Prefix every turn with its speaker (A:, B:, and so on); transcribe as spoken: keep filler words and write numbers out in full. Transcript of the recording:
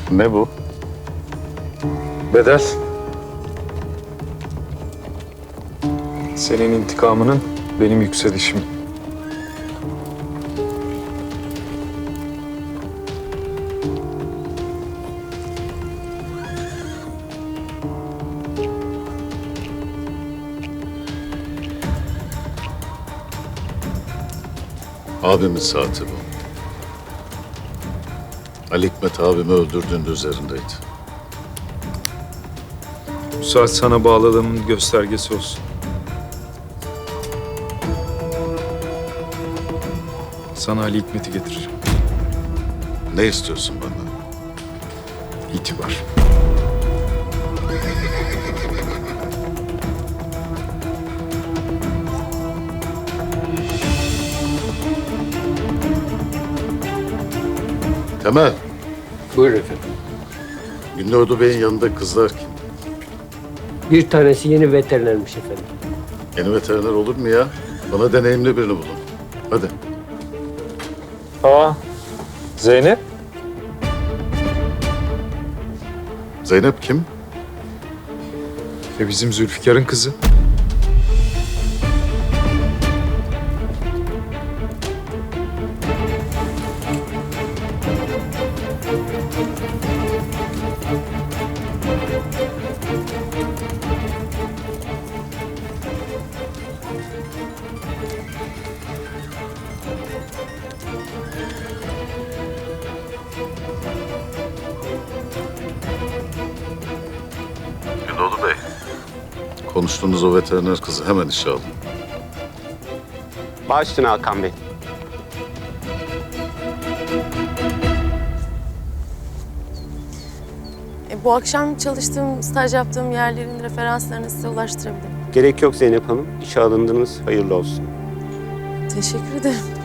A: Ne bu?
B: Bedel. Senin intikamının benim yükselişim.
A: Abimin saati bu. Ali Hikmet abimi öldürdüğünde üzerindeydi.
B: Bu saat sana bağladığımın göstergesi olsun. Sana Ali Hikmet'i getireceğim.
A: Ne istiyorsun benden?
B: İtibar.
A: Temel,
C: Buyurun efendim.
A: Gündoğdu Bey'in yanında kızlar kim?
C: Bir tanesi yeni veterinermiş efendim.
A: Yeni veteriner olur mu ya? Bana deneyimli birini bulun. Hadi.
B: Aa, Zeynep.
A: Zeynep kim?
B: E bizim Zülfikar'ın kızı.
A: Gündoğdu Bey. Konuştuğunuz o veteriner kızı hemen işe alın.
D: Baş üstüne Hakan Bey.
E: E, bu akşam çalıştığım, staj yaptığım yerlerin referanslarını size ulaştırabilirim.
D: Gerek yok Zeynep Hanım. İşe alındınız. Hayırlı olsun.
E: Teşekkür ederim.